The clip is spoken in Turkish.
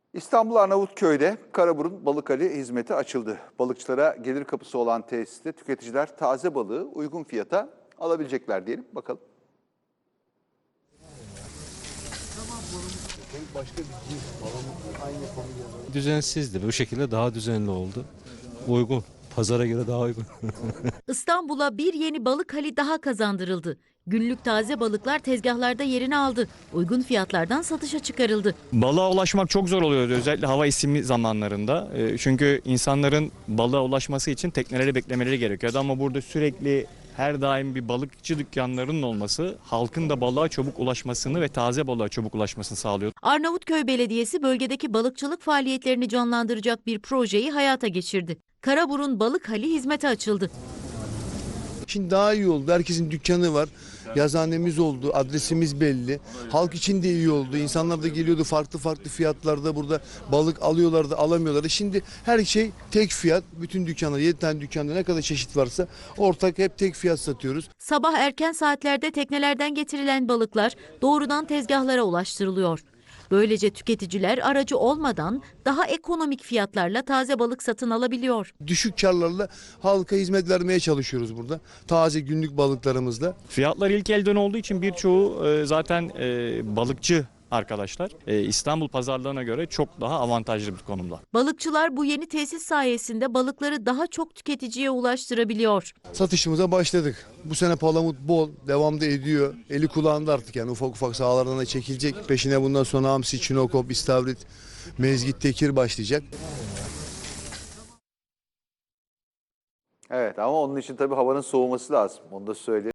İstanbul Arnavutköy'de Karaburun Balıkhali hizmeti açıldı. Balıkçılara gelir kapısı olan tesiste tüketiciler taze balığı uygun fiyata alabilecekler diyelim. Bakalım. Düzensizdi. Bu şekilde daha düzenli oldu. Uygun. Pazara göre daha uygun. İstanbul'a bir yeni balık hali daha kazandırıldı. Günlük taze balıklar tezgahlarda yerini aldı. Uygun fiyatlardan satışa çıkarıldı. Balığa ulaşmak çok zor oluyordu özellikle hava isimi zamanlarında. Çünkü insanların balığa ulaşması için tekneleri beklemeleri gerekiyordu ama burada sürekli her daim bir balıkçı dükkanlarının olması halkın da balığa çabuk ulaşmasını ve taze balığa çabuk ulaşmasını sağlıyor. Arnavutköy Belediyesi bölgedeki balıkçılık faaliyetlerini canlandıracak bir projeyi hayata geçirdi. Karaburun Balık Hali hizmete açıldı. Şimdi daha iyi oldu. Herkesin dükkanı var. Yazıhanemiz oldu. Adresimiz belli. Halk için de iyi oldu. İnsanlar da geliyordu farklı farklı fiyatlarda burada balık alıyorlardı, alamıyorlardı. Şimdi her şey tek fiyat. Bütün dükkanlar, 7 tane dükkanda ne kadar çeşit varsa ortak hep tek fiyat satıyoruz. Sabah erken saatlerde teknelerden getirilen balıklar doğrudan tezgahlara ulaştırılıyor. Böylece tüketiciler aracı olmadan daha ekonomik fiyatlarla taze balık satın alabiliyor. Düşük karlarla halka hizmet vermeye çalışıyoruz burada. Taze günlük balıklarımızla. Fiyatlar ilk elden olduğu için birçoğu zaten balıkçı arkadaşlar İstanbul pazarlarına göre çok daha avantajlı bir konumda. Balıkçılar bu yeni tesis sayesinde balıkları daha çok tüketiciye ulaştırabiliyor. Satışımıza başladık. Bu sene palamut bol, devam da ediyor. Eli kulağında artık yani ufak ufak sahalardan da çekilecek. Peşine bundan sonra hamsi, çinokop, istavrit, mezgit, tekir başlayacak. Evet ama onun için tabii havanın soğuması lazım. Onu da söyleyeyim.